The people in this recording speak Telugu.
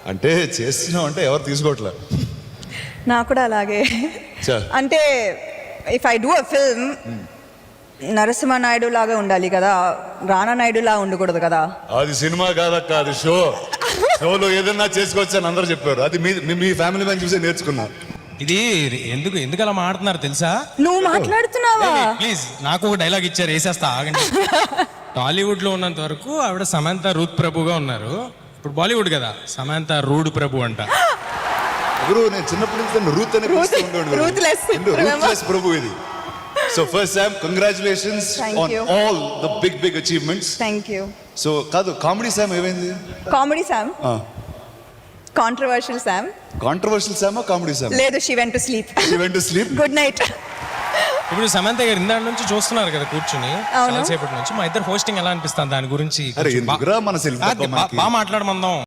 అంటే చేస్తున్నాం అంటే ఎవరు తీసుకోవట్లే. నాకు కూడా అలాగే. చా. అంటే if I do a film Narasimha Naidu లాగా ఉండాలి కదా, రానా నాయుడు లా ఉండకూడదు కదా. అది సినిమా కాదక్క, అది షో. షోలో ఏదన్నా చేసుకోవచ్చు అని అందరూ చెప్పారు. అది మీ ఫ్యామిలీ మ్యాన్ చూసే నేర్చుకున్నా. ఇది ఎందుకు అలా మాట్లాడుతున్నారు తెలుసా? నువ్వు మాట్లాడుతున్నావా? ప్లీజ్ నాకు ఒక డైలాగ్ ఇచ్చారు, వేసేస్తా ఆగండి. టాలీవుడ్ లో ఉన్నంత వరకు ఆవిడ సమంత రూత్ ప్రభుగా ఉన్నారు. ఇప్పుడు బాలీవుడ్ కదా, సమంత రూడ్ ప్రభు అంట. గురు నేను చిన్నప్పటి నుంచి రూత్ అనే రూత్లెస్ ప్రభు ఇది. So first time congratulations on all the big achievements. Thank you. So కాదు, కామెడీ శామ్ ఏమైంది? Comedy Sam controversial Sam. Controversial శామా కామెడీ శామ్? లేదు, she went to sleep. Good night. ఇప్పుడు సమంత గారు ఇందాక నుంచి చూస్తున్నారు కదా కూర్చుని, చాలాసేపటి నుంచి. మా ఇద్దరు హోస్టింగ్ ఎలా అనిపిస్తుంది దాని గురించి? మన బాగా మాట్లాడమందాం.